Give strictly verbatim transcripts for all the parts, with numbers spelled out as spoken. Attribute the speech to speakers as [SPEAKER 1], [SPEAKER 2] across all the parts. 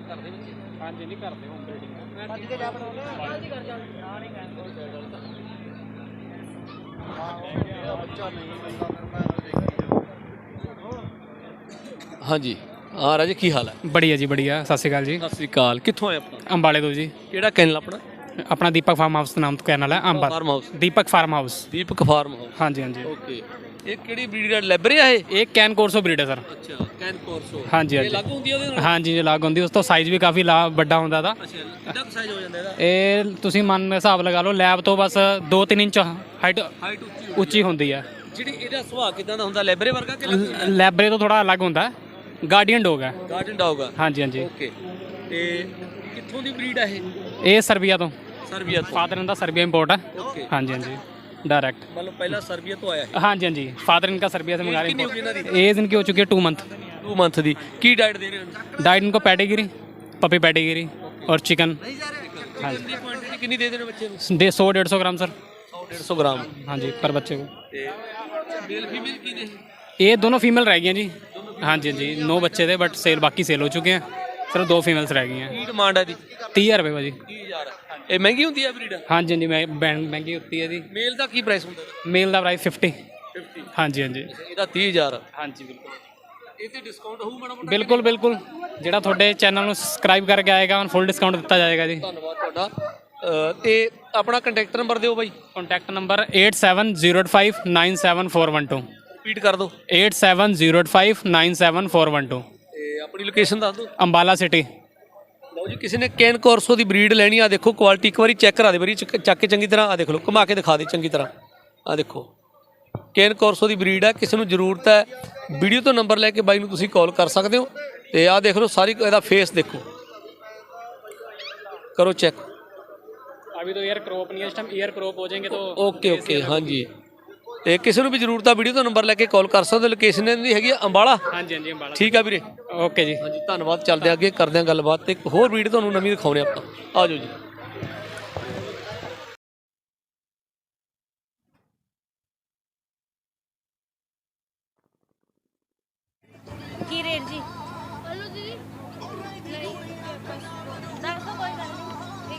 [SPEAKER 1] ਕਰਦੇ ਬੱਚੇ?
[SPEAKER 2] ਹਾਂਜੀ ਨਹੀਂ ਕਰਦੇ ਹੋਮ ਬਰੀਡਿੰਗ।
[SPEAKER 1] ਅੱਜ ਕੇ ਜਾ ਬਣਾਉਣੇ ਆ ਜੀ ਕਰ ਜਾ ਨਾ ਨਹੀਂ ਕਹਿੰਦੇ ਬੱਚਾ ਨਹੀਂ ਮਿਲਦਾ ਫਿਰ ਮੈਂ ਹਾਂਜੀ ਹਾਂ ਰਾਜੇ ਕੀ ਹਾਲ ਹੈ?
[SPEAKER 2] ਬੜੀਆ ਜੀ ਬੜੀਆ, ਸਤਿ ਸ਼੍ਰੀ ਅਕਾਲ ਜੀ।
[SPEAKER 1] ਸਤਿ ਸ੍ਰੀ ਅਕਾਲ। ਕਿੱਥੋਂ ਆਏ ਆਪਣਾ?
[SPEAKER 2] ਅੰਬਾਲੇ ਤੋਂ ਜੀ।
[SPEAKER 1] ਕਿਹੜਾ ਕੈਨਲ ਆਪਣਾ?
[SPEAKER 2] ਆਪਣਾ ਦੀਪਕ ਫਾਰਮ ਹਾਊਸ ਨਾਮ ਤੋਂ ਕਹਿਣ ਵਾਲਾ Amba
[SPEAKER 1] farm house.
[SPEAKER 2] Deepak farm house.
[SPEAKER 1] Deepak farm house.
[SPEAKER 2] ਹਾਂਜੀ ਹਾਂਜੀ।
[SPEAKER 1] ਓਕੇ। ਇਹ ਕਿਹੜੀ ਬਰੀਡ ਦਾ ਲੈਬਰੇ ਆ ਇਹ?
[SPEAKER 2] ਇਹ ਕੈਨ ਕੋਰਸੋ ਬਰੀਡ ਹੈ ਸਰ।
[SPEAKER 1] ਅੱਛਾ ਕੈਨ ਕੋਰਸੋ।
[SPEAKER 2] ਹਾਂਜੀ
[SPEAKER 1] ਇਹ
[SPEAKER 2] ਹਾਂਜੀ
[SPEAKER 1] ਲੱਗ ਹੁੰਦੀ ਆ ਉਹਦੇ ਨਾਲ?
[SPEAKER 2] ਹਾਂਜੀ ਜੀ ਲੱਗ ਹੁੰਦੀ, ਉਸ ਤੋਂ ਸਾਈਜ਼ ਵੀ ਕਾਫੀ ਲਾ ਵੱਡਾ ਹੁੰਦਾ ਦਾ।
[SPEAKER 1] ਅੱਛਾ ਕਿੰਨਾ ਕੁ ਸਾਈਜ਼ ਹੋ ਜਾਂਦਾ ਇਹਦਾ?
[SPEAKER 2] ਇਹ ਤੁਸੀਂ ਮਨ ਹਿਸਾਬ ਲਗਾ ਲਓ ਲੈਬ ਤੋਂ ਬਸ ਦੋ ਤਿੰਨ ਇੰਚ ਹਾਈਟ
[SPEAKER 1] ਹਾਈਟ ਉੱਚੀ
[SPEAKER 2] ਉੱਚੀ ਹੁੰਦੀ ਹੈ।
[SPEAKER 1] ਜਿਹੜੀ ਇਹਦਾ ਸੁਭਾਅ ਕਿਦਾਂ ਦਾ ਹੁੰਦਾ? ਲੈਬਰੇ ਵਰਗਾ ਕਿ ਲੱਗ
[SPEAKER 2] ਲੈਬਰੇ ਤੋਂ ਥੋੜਾ ਅਲੱਗ ਹੁੰਦਾ, ਗਾਰਡੀਅਨ ਡੋਗ ਹੈ।
[SPEAKER 1] ਗਾਰਡਨ ਡੌਗ ਆ?
[SPEAKER 2] ਹਾਂਜੀ ਹਾਂਜੀ।
[SPEAKER 1] ਓਕੇ। ਤੇ ਕਿੱਥੋਂ ਦੀ ਬਰੀਡ ਆ ਇਹ?
[SPEAKER 2] ਇਹ ਸਰਬੀਆ ਤੋਂ,
[SPEAKER 1] ਸਰਬੀਆ ਤੋਂ?
[SPEAKER 2] Father in the Serbia import है।
[SPEAKER 1] ਓਕੇ।
[SPEAKER 2] ਹਾਂਜੀ ਹਾਂਜੀ डायरेक्ट।
[SPEAKER 1] मतलब पहला सर्बिया तो आया है?
[SPEAKER 2] हाँ जी हाँ जी, फादर इनका सर्बिया से मंगा
[SPEAKER 1] कितनी होगी
[SPEAKER 2] रहे
[SPEAKER 1] इनकी?
[SPEAKER 2] हैं। एज इनकी हो चुकी है टू मंथ।
[SPEAKER 1] टू मंथ दी की डाइट दे रहे हैं?
[SPEAKER 2] डाइट इनको पैडेगिरी, पपी पैडेगिरी और चिकन। हाँ जी।
[SPEAKER 1] क्वांटिटी कितनी दे देने बच्चे को?
[SPEAKER 2] दे सौ डेढ़ सौ ग्राम सर।
[SPEAKER 1] सौ डेढ़ सौ ग्राम?
[SPEAKER 2] हाँ जी पर बच्चे को।
[SPEAKER 1] मेल फीमेल की ने?
[SPEAKER 2] ये दोनों फीमेल रह गई हैं जी। हाँ जी हाँ जी, नौ बच्चे थे बट सेल बाकी सेल हो चुके हैं, सिर्फ दो फीमेल्स रह गई हैं।
[SPEAKER 1] की डिमांड है दी?
[SPEAKER 2] तीस हज़ार रुपये भाजी।
[SPEAKER 1] तीस हज़ार। ਇਹ ਮਹਿੰਗੀ ਹੁੰਦੀ ਹੈ ਬਰੀਡ?
[SPEAKER 2] हाँ जी हाँ जी, मैं महंगी होती है जी।
[SPEAKER 1] ਮੇਲ ਦਾ ਕੀ ਪ੍ਰਾਈਸ ਹੁੰਦਾ?
[SPEAKER 2] मेल का प्राइस फिफ्टी। हाँ जी हाँ जी।
[SPEAKER 1] ਇਹਦਾ तीस हज़ार?
[SPEAKER 2] हाँ जी बिल्कुल।
[SPEAKER 1] ਇਹ ਤੇ ਡਿਸਕਾਊਂਟ ਹੋਊ ਮਾੜਾ ਮੋਟਾ?
[SPEAKER 2] ਬਿਲਕੁਲ ਬਿਲਕੁਲ, ਜਿਹੜਾ ਤੁਹਾਡੇ ਚੈਨਲ ਨੂੰ ਸਬਸਕ੍ਰਾਈਬ ਕਰਕੇ ਆਏਗਾ ਉਹਨੂੰ ਫੁੱਲ ਡਿਸਕਾਊਂਟ ਦਿੱਤਾ ਜਾਏਗਾ ਜੀ।
[SPEAKER 1] ਧੰਨਵਾਦ ਤੁਹਾਡਾ। ਅ, ਤੇ ਆਪਣਾ ਕੰਟੈਕਟ ਨੰਬਰ ਦਿਓ ਬਾਈ।
[SPEAKER 2] Contact number eight seven zero eight five nine seven four one two.
[SPEAKER 1] Repeat ਕਰ ਦਿਓ।
[SPEAKER 2] Eight seven zero eight five nine seven four one two.
[SPEAKER 1] ਤੇ ਆਪਣੀ ਲੋਕੇਸ਼ਨ ਦੱਸ ਦਿਓ।
[SPEAKER 2] ਅੰਬਾਲਾ ਸਿਟੀ।
[SPEAKER 1] ਲਓ ਜੀ, ਕਿਸੇ ਨੇ ਕੈਨ ਕੋਰਸੋ ਦੀ ਬਰੀਡ ਲੈਣੀ ਆ, ਦੇਖੋ ਕੁਆਲਿਟੀ ਇੱਕ ਵਾਰੀ ਚੈੱਕ ਕਰਾ ਦੇ ਵਾਰੀ ਚੱਕ ਕੇ ਚੰਗੀ ਤਰ੍ਹਾਂ। ਆ ਦੇਖ ਲਓ, ਘੁਮਾ ਕੇ ਦਿਖਾ ਦੇ ਚੰਗੀ ਤਰ੍ਹਾਂ। ਆ ਦੇਖੋ ਕੈਨ ਕੋਰਸੋ ਦੀ ਬਰੀਡ ਆ, ਕਿਸੇ ਨੂੰ ਜ਼ਰੂਰਤ ਹੈ ਵੀਡੀਓ ਤੋਂ ਨੰਬਰ ਲੈ ਕੇ ਬਾਈ ਨੂੰ ਤੁਸੀਂ ਕਾਲ ਕਰ ਸਕਦੇ ਹੋ। ਤੇ ਆਹ ਦੇਖ ਲਓ ਸਾਰੀ ਇਹਦਾ ਫੇਸ ਦੇਖੋ, ਕਰੋ ਚੈੱਕ।
[SPEAKER 2] अभी तो ईयर क्रॉप नहीं है, इस टाइम ईयर क्रॉप हो जाएंगे तो।
[SPEAKER 1] ਓਕੇ ਓਕੇ ਹਾਂਜੀ। ਤੇ ਕਿਸੇ ਨੂੰ ਵੀ ਜ਼ਰੂਰਤ ਆ ਵੀਡੀਓ ਤੋਂ ਨੰਬਰ ਲੈ ਕੇ ਕਾਲ ਕਰ ਸਕਦੇ ਹੋ। ਲੋਕੇਸ਼ਨ ਇਹਦੀ ਹੈਗੀ ਆ ਅੰਬਾਲਾ।
[SPEAKER 2] ਹਾਂਜੀ ਹਾਂਜੀ ਅੰਬਾਲਾ।
[SPEAKER 1] ਠੀਕ ਆ ਵੀਰੇ,
[SPEAKER 2] ਓਕੇ ਜੀ।
[SPEAKER 1] ਹਾਂਜੀ ਧੰਨਵਾਦ। ਚੱਲਦੇ ਅੱਗੇ ਕਰਦੇ ਹਾਂ ਗੱਲਬਾਤ ਤੇ ਇੱਕ ਹੋਰ ਵੀਡੀਓ ਤੁਹਾਨੂੰ ਨਵੀਂ ਦਿਖਾਉਣੇ ਆਪਾਂ। ਆ ਜਾਓ ਜੀ।
[SPEAKER 3] ਕੀ ਰੇਟ ਜੀ? ਹਲੋ ਜੀ ਨਹੀਂ ਦੱਸੋ ਕੋਈ ਗੱਲ ਨਹੀਂ।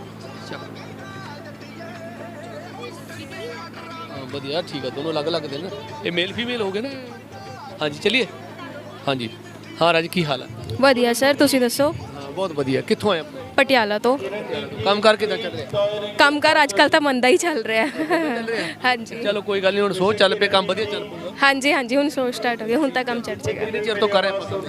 [SPEAKER 1] ਹਾਂ ਵਧੀਆ ਠੀਕ ਆ, ਦੋਨੋਂ ਅਲੱਗ ਅਲੱਗ ਦੇ ਨੇ। ਇਹ ਮੇਲ ਫੀਮੇਲ ਹੋ ਗਏ ਨਾ? ਹਾਂਜੀ ਚਲਿਏ। ਹਾਂਜੀ ਹਾਂ ਰਾਜ ਕੀ ਹਾਲ ਹੈ?
[SPEAKER 4] ਵਧੀਆ ਸਰ, ਤੁਸੀਂ ਦੱਸੋ?
[SPEAKER 1] ਹਾਂ ਬਹੁਤ ਵਧੀਆ। ਕਿੱਥੋਂ ਆਏ ਆਪਾਂ?
[SPEAKER 4] ਪਟਿਆਲਾ ਤੋਂ।
[SPEAKER 1] ਕੰਮ ਕਰ ਕਿੱਦਾਂ ਚੱਲ ਰਿਹਾ?
[SPEAKER 4] ਕੰਮਕਾਰ ਅੱਜ ਕੱਲ੍ਹ ਤਾਂ ਮੰਦਾ ਹੀ ਚੱਲ ਰਿਹਾ। ਹਾਂਜੀ
[SPEAKER 1] ਚਲੋ ਕੋਈ ਗੱਲ ਨਹੀਂ, ਹੁਣ ਸੋਚ ਚੱਲ ਪਏ, ਕੰਮ ਵਧੀਆ ਚੱਲ ਪਊਗਾ।
[SPEAKER 4] ਹਾਂਜੀ ਹਾਂਜੀ, ਹੁਣ ਸੋ ਸਟਾਰਟ ਹੋ ਗਿਆ, ਹੁਣ ਤਾਂ ਕੰਮ ਚੱਲ ਜਾਏਗਾ।
[SPEAKER 1] ਕਿੰਨੇ ਚਿਰ ਤੋਂ ਕਰ ਰਹੇ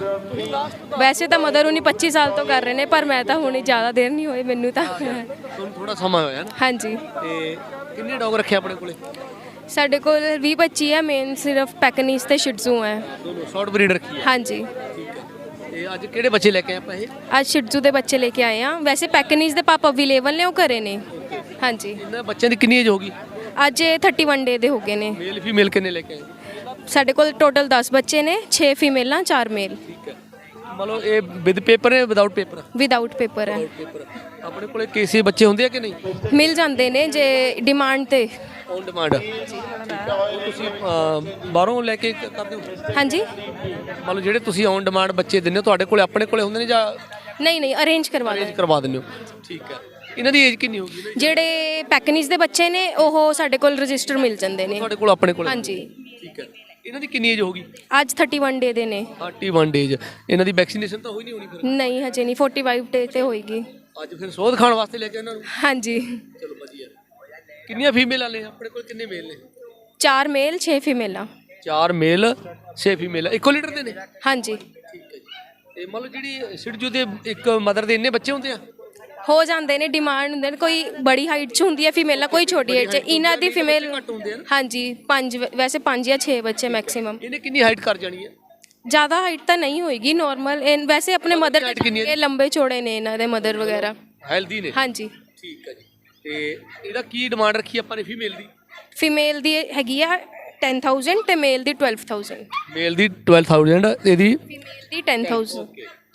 [SPEAKER 1] ਆਪਾਂ?
[SPEAKER 4] ਵੈਸੇ ਤਾਂ ਮਦਰ ਹੁਣੀ ਪੱਚੀ ਸਾਲ ਤੋਂ ਕਰ ਰਹੇ ਨੇ, ਪਰ ਮੈਂ ਤਾਂ ਹੁਣੇ ਜ਼ਿਆਦਾ ਦੇਰ ਨਹੀਂ ਹੋਈ ਮੈਨੂੰ ਤਾਂ।
[SPEAKER 1] ਤੁਹਾਨੂੰ ਥੋੜਾ ਸਮਾਂ ਹੋਇਆ ਨਾ?
[SPEAKER 4] ਹਾਂਜੀ।
[SPEAKER 1] ਤੇ ਕਿੰਨੇ ਡੌਗ ਰੱਖੇ ਆਪਣੇ ਕੋਲੇ?
[SPEAKER 4] ਸਾਡੇ ਕੋਲ ਵੀਹ ਪੱਚੀ ਹੈ, ਮੇਨ ਸਿਰਫ ਪੈਕਨੀਸ ਤੇ ਸ਼ਿਟਜ਼ੂ ਹੈ।
[SPEAKER 1] ਦੋਨੋਂ ਸ਼ਾਰਟ ਬਰੀਡ ਰੱਖੀ ਹੈ?
[SPEAKER 4] ਹਾਂਜੀ।
[SPEAKER 1] ਠੀਕ ਹੈ। ਤੇ ਅੱਜ ਕਿਹੜੇ ਬੱਚੇ ਲੈ ਕੇ ਆਏ ਆਪਾਂ ਇਹ?
[SPEAKER 4] ਅੱਜ ਸ਼ਿਟਜ਼ੂ ਦੇ ਬੱਚੇ ਲੈ ਕੇ ਆਏ ਆ। ਵੈਸੇ ਪੈਕਨੀਸ ਦੇ ਪਾਪ ਅਵੇਲੇਬਲ ਨੇ, ਉਹ ਘਰੇ ਨੇ। ਹਾਂਜੀ।
[SPEAKER 1] ਇਹਨਾਂ ਬੱਚਿਆਂ ਦੀ ਕਿੰਨੀ ਏਜ ਹੋਗੀ?
[SPEAKER 4] ਅੱਜ ਇਹ ਥਰਟੀ ਵਨ ਡੇ ਦੇ ਹੋ ਗਏ ਨੇ।
[SPEAKER 1] ਮੇਲ ਫੀਮੇਲ ਕਿੰਨੇ ਲੈ ਕੇ ਆਏ?
[SPEAKER 4] ਸਾਡੇ ਕੋਲ ਟੋਟਲ ਦਸ ਬੱਚੇ ਨੇ, ਛੇ ਫੀਮੇਲਾਂ ਚਾਰ ਮੇਲ।
[SPEAKER 1] ਠੀਕ ਹੈ। ਮਤਲਬ ਇਹ ਵਿਦ ਪੇਪਰ ਹੈ ਵਿਦਆਊਟ ਪੇਪਰ?
[SPEAKER 4] ਵਿਦਆਊਟ ਪੇਪਰ ਹੈ।
[SPEAKER 1] ਪੇਪਰ। ਆਪਣੇ ਕੋਲੇ ਕੇਸੀ ਬੱਚੇ ਹੁੰਦੇ ਆ ਕਿ ਨਹੀਂ?
[SPEAKER 4] ਮਿਲ ਜਾਂਦੇ ਨੇ ਜੇ ਡਿਮਾਂਡ ਤੇ।
[SPEAKER 1] On demand? ਠੀਕ ਹੈ। ਉਹ ਤੁਸੀਂ ਅਹ, ਬਾਹਰੋਂ ਲੈ ਕੇ ਕਰਦੇ ਹੋ?
[SPEAKER 4] ਹਾਂਜੀ।
[SPEAKER 1] ਮਤਲਬ ਜਿਹੜੇ ਤੁਸੀਂ ਔਨ ਡਿਮਾਂਡ ਬੱਚੇ ਦਿੰਦੇ ਹੋ ਤੁਹਾਡੇ ਕੋਲੇ ਆਪਣੇ ਕੋਲੇ ਹੁੰਦੇ ਨੇ ਜਾਂ
[SPEAKER 4] ਨਹੀਂ ਨਹੀਂ, ਅਰੇਂਜ ਕਰਵਾ
[SPEAKER 1] ਅਰੇਂਜ
[SPEAKER 4] ਦਿੰਦੇ।
[SPEAKER 1] ਕਰਵਾ ਦਿੰਦੇ ਹੋ? ਠੀਕ ਹੈ। ਇਹਨਾਂ ਦੀ ਏਜ ਕਿੰਨੀ ਹੋਗੀ?
[SPEAKER 4] ਜਿਹੜੇ ਪੈਕਨੀਸ ਦੇ ਬੱਚੇ ਨੇ ਉਹ ਸਾਡੇ ਕੋਲ ਰਜਿਸਟਰ ਮਿਲ ਜਾਂਦੇ ਨੇ।
[SPEAKER 1] ਤੁਹਾਡੇ ਕੋਲ ਆਪਣੇ ਕੋਲ?
[SPEAKER 4] ਹਾਂਜੀ।
[SPEAKER 1] ਠੀਕ ਹੈ। ਇਹਨਾਂ ਦੀ ਕਿੰਨੀ ਏਜ ਹੋਗੀ?
[SPEAKER 4] ਅੱਜ ਥਰਟੀ ਵਨ ਡੇ ਦੇ ਨੇ।
[SPEAKER 1] Thirty one days. ਇਹਨਾਂ ਦੀ ਵੈਕਸੀਨੇਸ਼ਨ ਤਾਂ ਹੋਈ ਨਹੀਂ ਹੋਣੀ ਫਿਰ?
[SPEAKER 4] ਨਹੀਂ ਹਜੇ ਨਹੀਂ, ਫੋਰਟੀ ਫਾਈਵ ਡੇ ਤੇ ਹੋਏਗੀ।
[SPEAKER 1] ਅੱਜ ਫਿਰ ਸੋਧ ਖਾਣ ਵਾਸਤੇ ਲੈ ਕੇ ਇਹਨਾਂ ਨੂੰ?
[SPEAKER 4] ਹਾਂਜੀ।
[SPEAKER 1] ਚਲੋ ਵਧੀਆ। ਕਿੰਨੀਆਂ ਫੀਮੇਲਾਂ ਨੇ ਆਪਣੇ ਕੋਲ? ਕਿੰਨੇ ਮੇਲ ਨੇ?
[SPEAKER 4] ਚਾਰ ਮੇਲ ਛੇ ਫੀਮੇਲਾਂ।
[SPEAKER 1] ਚਾਰ ਮੇਲ ਛੇ ਫੀਮੇਲ ਇੱਕੋ ਲੀਟਰ ਦੇ ਨੇ?
[SPEAKER 4] ਹਾਂਜੀ।
[SPEAKER 1] ਠੀਕ ਹੈ ਜੀ। ਤੇ ਮੰਨ ਲਓ ਜਿਹੜੀ ਸਿੜਜੂ ਦੇ ਇੱਕ ਮਦਰ ਦੇ ਇੰਨੇ ਬੱਚੇ ਹੁੰਦੇ ਆ?
[SPEAKER 4] ਹੋ ਜਾਂਦੇ ਨੇ, ਡਿਮਾਂਡ ਹੁੰਦੇ ਨੇ। ਕੋਈ ਬੜੀ ਹਾਈਟ 'ਚ ਹੁੰਦੀ ਹੈ ਫੀਮੇਲਾਂ, ਕੋਈ ਛੋਟੀ ਹਾਈਟ 'ਚ। ਇਹਨਾਂ ਦੀ ਫੀਮੇਲ ਹਾਂਜੀ ਪੰਜ, ਵੈਸੇ ਪੰਜ ਜਾਂ ਛੇ ਬੱਚੇ ਮੈਕਸਿਮਮ।
[SPEAKER 1] ਇਹਨੇ ਕਿੰਨੀ ਹਾਈਟ ਕਰ ਜਾਣੀ ਹੈ?
[SPEAKER 4] ਜ਼ਿਆਦਾ ਹਾਈਟ ਤਾਂ ਨਹੀਂ ਹੋਏਗੀ, ਨਾਰਮਲ। ਵੈਸੇ ਆਪਣੇ ਮਦਰ ਇਹ ਲੰਬੇ ਚੌੜੇ ਨੇ ਇਹਨਾਂ ਦੇ ਮਦਰ ਵਗੈਰਾ।
[SPEAKER 1] ਹੈਲਦੀ ਨੇ?
[SPEAKER 4] ਹਾਂਜੀ।
[SPEAKER 1] ਠੀਕ ਹੈ ਜੀ। ਤੇ ਇਹਦਾ ਕੀ ਡਿਮਾਂਡ ਰੱਖੀ ਆਪਾਂ ਨੇ ਫੀਮੇਲ ਦੀ?
[SPEAKER 4] ਫੀਮੇਲ ਦੀ ਹੈਗੀ ਆ ਟੈਨ ਥਾਊਜ਼ੈਂਡ ਤੇ ਮੇਲ ਦੀ ਟਵੈਲਵ ਥਾਊਜ਼ੈਂਡ।
[SPEAKER 1] ਮੇਲ ਦੀ ਟਵੈਲਵ ਥਾਊਜ਼ੈਂਡ, ਇਹਦੀ
[SPEAKER 4] ਫੀਮੇਲ ਦੀ ਟੈਨ ਥਾਊਜ਼ੈਂਡ।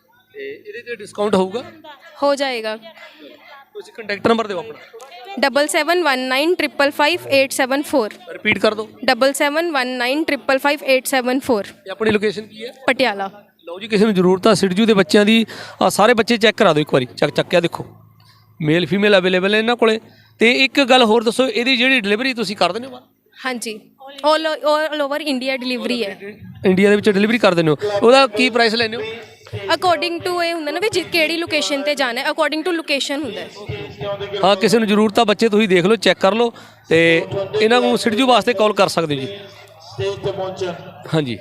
[SPEAKER 1] ਤੇ ਇਹਦੇ ਤੇ ਡਿਸਕਾਊਂਟ ਹੋਊਗਾ?
[SPEAKER 4] ਹੋ ਜਾਏਗਾ।
[SPEAKER 1] ਤੁਸੀਂ ਕੰਟੈਕਟ ਨੰਬਰ ਦਿਓ ਆਪਣਾ।
[SPEAKER 4] Double seven one nine triple five eight seven four.
[SPEAKER 1] Repeat ਕਰ ਦਿਓ।
[SPEAKER 4] Double seven one nine triple five eight seven four.
[SPEAKER 1] ਤੇ ਆਪਣੀ ਲੋਕੇਸ਼ਨ ਕੀ ਹੈ?
[SPEAKER 4] ਪਟਿਆਲਾ।
[SPEAKER 1] ਲਓ ਜੀ, ਕਿਸੇ ਨੂੰ ਜ਼ਰੂਰਤ ਆ ਸਿਡਜੂ ਦੇ ਬੱਚਿਆਂ ਦੀ, ਆ ਸਾਰੇ ਬੱਚੇ ਚੈੱਕ ਕਰਾ ਦਿਓ ਇੱਕ ਵਾਰੀ, ਚੱਕ ਚੱਕਿਆ ਦੇਖੋ, ਮੇਲ ਫੀਮੇਲ ਅਵੇਲੇਬਲ ਨੇ ਇਹਨਾਂ ਕੋਲੇ। ਤੇ ਇੱਕ ਗੱਲ ਹੋਰ ਦੱਸੋ, ਇਹਦੀ ਜਿਹੜੀ ਡਿਲੀਵਰੀ ਤੁਸੀਂ ਕਰ ਦਿੰਦੇ ਹੋ ਬਾਹਰ?
[SPEAKER 4] ਹਾਂਜੀ all all over India delivery ਹੈ।
[SPEAKER 1] ਇੰਡੀਆ ਦੇ ਵਿੱਚ ਡਿਲੀਵਰੀ ਕਰ ਦਿੰਦੇ ਹੋ, ਉਹਦਾ ਕੀ ਪ੍ਰਾਈਸ ਲੈਂਦੇ ਹੋ?
[SPEAKER 4] ਅਕੋਰਡਿੰਗ ਟੂ ਇਹ ਹੁੰਦਾ ਨਾ ਵੀ ਜਿ- ਕਿਹੜੀ ਲੋਕੇਸ਼ਨ ਤੇ ਜਾਣਾ ਹੈ, ਅਕੋਰਡਿੰਗ ਟੂ ਲੋਕੇਸ਼ਨ ਹੁੰਦਾ ਹੈ।
[SPEAKER 1] ਹਾਂ, ਕਿਸੇ ਨੂੰ ਜ਼ਰੂਰਤ ਆ ਬੱਚੇ ਤੁਸੀਂ ਦੇਖ ਲਓ, ਚੈੱਕ ਕਰ ਲਓ, ਤੇ ਇਹਨਾਂ ਨੂੰ ਸਿਡਜੂ ਵਾਸਤੇ ਕਾਲ ਕਰ ਸਕਦੇ ਹੋ ਜੀ। ਹਾਂਜੀ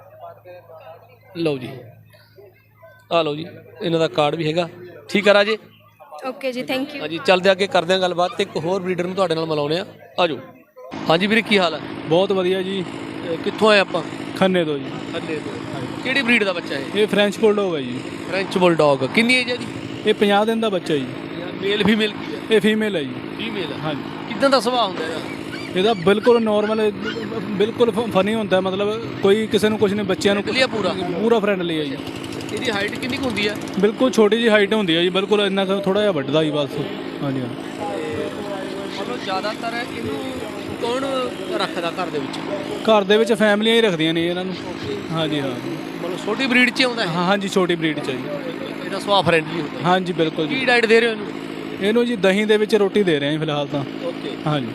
[SPEAKER 1] ਲਓ ਜੀ, ਆ ਲਓ ਜੀ, ਇਹਨਾਂ ਦਾ ਕਾਰਡ ਵੀ ਹੈਗਾ। ਠੀਕ ਆ ਰਾਜੇ?
[SPEAKER 4] ਓਕੇ ਜੀ, ਥੈਂਕ ਯੂ।
[SPEAKER 1] ਹਾਂਜੀ, ਚੱਲਦੇ ਅੱਗੇ ਕਰਦੇ ਹਾਂ ਗੱਲਬਾਤ, ਤੇ ਇੱਕ ਹੋਰ ਬਰੀਡਰ ਨੂੰ ਤੁਹਾਡੇ ਨਾਲ ਮਿਲਾਉਂਦੇ ਆ। ਆ ਜਾਓ। ਹਾਂਜੀ ਵੀਰੇ, ਕੀ ਹਾਲ ਹੈ?
[SPEAKER 5] ਬਹੁਤ ਵਧੀਆ ਜੀ।
[SPEAKER 1] ਇਹ ਕਿੱਥੋਂ ਆਏ ਆਪਾਂ?
[SPEAKER 5] ਖੰਨੇ ਤੋਂ ਜੀ।
[SPEAKER 1] ਖੰਨੇ ਤੋਂ। ਕਿਹੜੀ ਬਰੀਡ ਦਾ ਬੱਚਾ ਇਹ?
[SPEAKER 5] ਇਹ ਫ੍ਰੈਂਚ ਬੁਲਡੌਗ ਹੈ ਜੀ।
[SPEAKER 1] French bulldog. ਕਿੰਨੀ ਏਜ ਹੈ ਜੀ?
[SPEAKER 5] ਇਹ ਪੰਜਾਹ ਦਿਨ ਦਾ ਬੱਚਾ ਜੀ।
[SPEAKER 1] ਮੇਲ ਫੀਮੇਲ ਕੀ ਹੈ?
[SPEAKER 5] ਇਹ ਫੀਮੇਲ ਹੈ ਜੀ।
[SPEAKER 1] ਫੀਮੇਲ ਹੈ।
[SPEAKER 5] ਹਾਂਜੀ।
[SPEAKER 1] ਕਿੱਦਾਂ ਦਾ ਸੁਭਾਅ ਹੁੰਦਾ ਇਹਦਾ?
[SPEAKER 5] ਇਹਦਾ ਬਿਲਕੁਲ ਨੋਰਮਲ, ਬਿਲਕੁਲ ਫਨੀ ਹੁੰਦਾ, ਮਤਲਬ ਕੋਈ ਕਿਸੇ ਨੂੰ ਕੁਝ ਨਹੀਂ, ਬੱਚਿਆਂ ਨੂੰ
[SPEAKER 1] ਵਧੀਆ ਪੂਰਾ
[SPEAKER 5] ਪੂਰਾ ਫਰੈਂਡਲੀ ਹੈ ਜੀ।
[SPEAKER 1] ਇਹਦੀ ਹਾਈਟ ਕਿੰਨੀ ਕੁ ਹੁੰਦੀ ਹੈ?
[SPEAKER 5] ਬਿਲਕੁਲ ਛੋਟੀ ਜਿਹੀ ਹਾਈਟ ਹੁੰਦੀ ਹੈ ਜੀ, ਬਿਲਕੁਲ ਇੰਨਾ ਥੋੜਾ ਜਿਹਾ ਵੱਡਦਾ ਜੀ ਬਸ। ਹਾਂਜੀ ਹਾਂ।
[SPEAKER 1] ਮਤਲਬ ਜ਼ਿਆਦਾਤਰ ਇਹਨੂੰ ਕੌਣ ਰੱਖਦਾ ਘਰ ਦੇ ਵਿੱਚ?
[SPEAKER 5] ਘਰ ਦੇ ਵਿੱਚ ਫੈਮਲੀਆਂ ਹੀ ਰੱਖਦੀਆਂ ਨੇ ਇਹਨਾਂ ਨੂੰ। ਹਾਂਜੀ ਹਾਂ।
[SPEAKER 1] ਮਤਲਬ ਛੋਟੀ ਬਰੀਡ 'ਚ ਆਉਂਦਾ ਹੈ?
[SPEAKER 5] ਹਾਂ ਹਾਂਜੀ, ਛੋਟੀ ਬਰੀਡ ਚ ਹੈ ਜੀ।
[SPEAKER 1] ਇਹਦਾ ਸੁਭਾਅ ਫਰੈਂਡਲੀ ਹੁੰਦਾ?
[SPEAKER 5] ਹਾਂਜੀ ਬਿਲਕੁਲ ਜੀ।
[SPEAKER 1] ਕੀ ਡਾਈਟ ਦੇ ਰਹੇ ਹੋ ਇਹਨੂੰ?
[SPEAKER 5] ਇਹਨੂੰ ਜੀ ਦਹੀਂ ਦੇ ਵਿੱਚ ਰੋਟੀ ਦੇ ਰਹੇ ਹਾਂ ਫਿਲਹਾਲ ਤਾਂ।
[SPEAKER 1] ਓਕੇ।
[SPEAKER 5] ਹਾਂਜੀ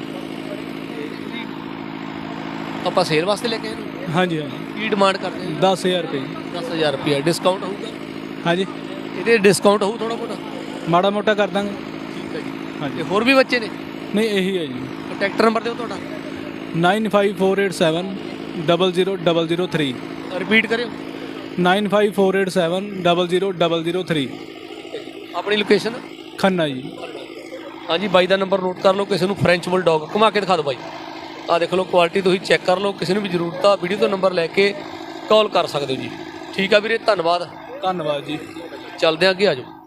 [SPEAKER 1] ਆਪਾਂ ਸੇਲ ਵਾਸਤੇ ਲੈ ਕੇ ਆਏ ਇਹਨੂੰ?
[SPEAKER 5] ਹਾਂਜੀ ਹਾਂਜੀ।
[SPEAKER 1] ਕੀ ਡਿਮਾਂਡ ਕਰਦੇ ਹੋ?
[SPEAKER 5] ਦਸ ਹਜ਼ਾਰ ਰੁਪਏ ਜੀ।
[SPEAKER 1] ਦਸ ਹਜ਼ਾਰ ਰੁਪਏ ਡਿਸਕਾਊਂਟ ਹੋਊਗਾ?
[SPEAKER 5] ਹਾਂਜੀ,
[SPEAKER 1] ਇਹਦੇ ਡਿਸਕਾਊਂਟ ਹੋਊ ਥੋੜਾ ਬਹੁਤਾ?
[SPEAKER 5] ਮਾੜਾ ਮੋਟਾ ਕਰ ਦਾਂਗੇ।
[SPEAKER 1] ਠੀਕ ਹੈ ਜੀ।
[SPEAKER 5] ਹਾਂਜੀ।
[SPEAKER 1] ਤੇ ਹੋਰ ਵੀ ਬੱਚੇ ਨੇ?
[SPEAKER 5] ਨਹੀਂ ਇਹੀ ਹੈ ਜੀ।
[SPEAKER 1] ਕੰਟੈਕਟ ਨੰਬਰ ਦਿਓ ਤੁਹਾਡਾ।
[SPEAKER 5] Nine five four eight seven double zero double zero three.
[SPEAKER 1] Repeat ਕਰਿਓ।
[SPEAKER 5] Nine five four eight seven double zero double zero three.
[SPEAKER 1] ਆਪਣੀ ਲੋਕੇਸ਼ਨ?
[SPEAKER 5] ਖੰਨਾ ਜੀ।
[SPEAKER 1] ਹਾਂਜੀ, ਬਾਈ ਦਾ ਨੰਬਰ ਨੋਟ ਕਰ ਲਓ। ਕਿਸੇ ਨੂੰ ਫ੍ਰੈਂਚ ਬੁਲਡੌਗ ਘੁਮਾ ਕੇ ਦਿਖਾ ਦਿਓ ਬਾਈ। ਆ ਦੇਖ ਲਓ, ਕੁਆਲਿਟੀ ਤੁਸੀਂ ਚੈੱਕ ਕਰ ਲਓ। ਕਿਸੇ ਨੂੰ ਵੀ ਜ਼ਰੂਰਤ ਆ ਵੀਡੀਓ ਤੋਂ ਨੰਬਰ ਲੈ ਕੇ ਕਾਲ ਕਰ ਸਕਦੇ ਹੋ ਜੀ। ਠੀਕ ਆ ਵੀਰੇ, ਧੰਨਵਾਦ।
[SPEAKER 5] ਧੰਨਵਾਦ ਜੀ।
[SPEAKER 1] ਚੱਲਦੇ ਹਾਂ ਅੱਗੇ, ਆ ਜਾਓ।